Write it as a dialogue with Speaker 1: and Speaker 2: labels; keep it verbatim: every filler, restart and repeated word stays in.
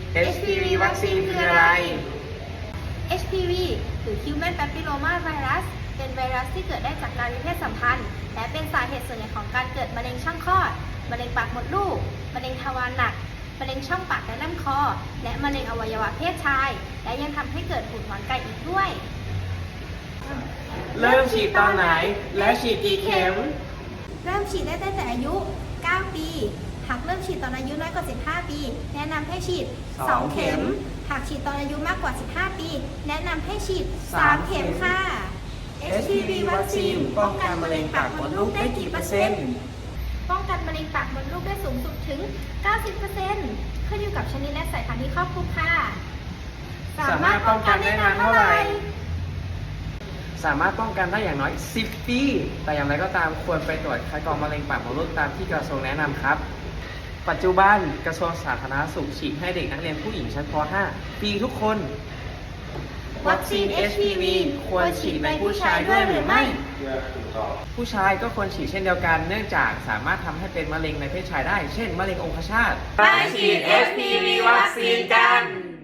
Speaker 1: เอช พี วี วัคซีนคืออะไร
Speaker 2: เอช พี วี หรือ Human Papilloma Virus เป็นไวรัสที่เกิดได้จากการมีเพศสัมพันธ์ และเป็นสาเหตุส่วนใหญ่ของการเกิดมะเร็งช่องคลอด มะเร็งปากมดลูก มะเร็งทวารหนัก มะเร็งช่องปากและลำคอ และมะเร็งอวัยวะเพศชาย และยังทำให้เกิดหูดหงอนไก่อีกด้วย
Speaker 1: เริ่มฉีดตอนไหน และฉีดกี่เข็ม
Speaker 2: เริ่มฉีดได้ตั้งแต่อายุ เก้า ปี หากเริ่มฉีดตอนอายุน้อยกว่า สิบห้า ปี แนะนำให้ฉีด
Speaker 1: ส
Speaker 2: ส
Speaker 1: อ
Speaker 2: อง ง
Speaker 1: เข็
Speaker 2: เข็
Speaker 1: ม
Speaker 2: ม หากฉีดตอนอายุมากกว่า สิบห้า ปี แนะนำให้ฉีด
Speaker 1: สา
Speaker 2: สาม ม
Speaker 1: เข็
Speaker 2: เข็
Speaker 1: ม
Speaker 2: มค่ะ
Speaker 1: เอช พี วี วัคซีนป้องกันมะเร็งปากมดลูกได้กี่เปอร์เซ็นต์
Speaker 2: ป้องกันมะเร็งปากมดลูกได้สูงสุดถึง เก้าสิบเปอร์เซ็นต์ ขึ้นอยู่กับชนิดและสายพันธุ์ที่ครอบคลุมค่ะ
Speaker 1: สามารถป้องกันได้นานเท่าไหร่ สามารถป้องกันได้อย่างน้อย สิบ ปี แต่อย่างไรก็ตามควรไปตรวจคัดกรองมะเร็งปากมดลูกตามที่กระทรวงแนะนำครับ ปัจจุบันกระทรวงสาธารณสุขฉีดให้เด็กนักเรียนผู้หญิงชั้นป ห้า ฟรีทุกคน วัคซีน เอช พี วี ควรฉีดในผู้ชายด้วยหรือไม่ ผู้ชายก็ควรฉีดเช่นเดียวกัน เนื่องจากสามารถทำให้เป็นมะเร็งในเพศชายได้ เช่น มะเร็งองคชาต
Speaker 3: ไปฉีด เอช พี วี วัคซีนกัน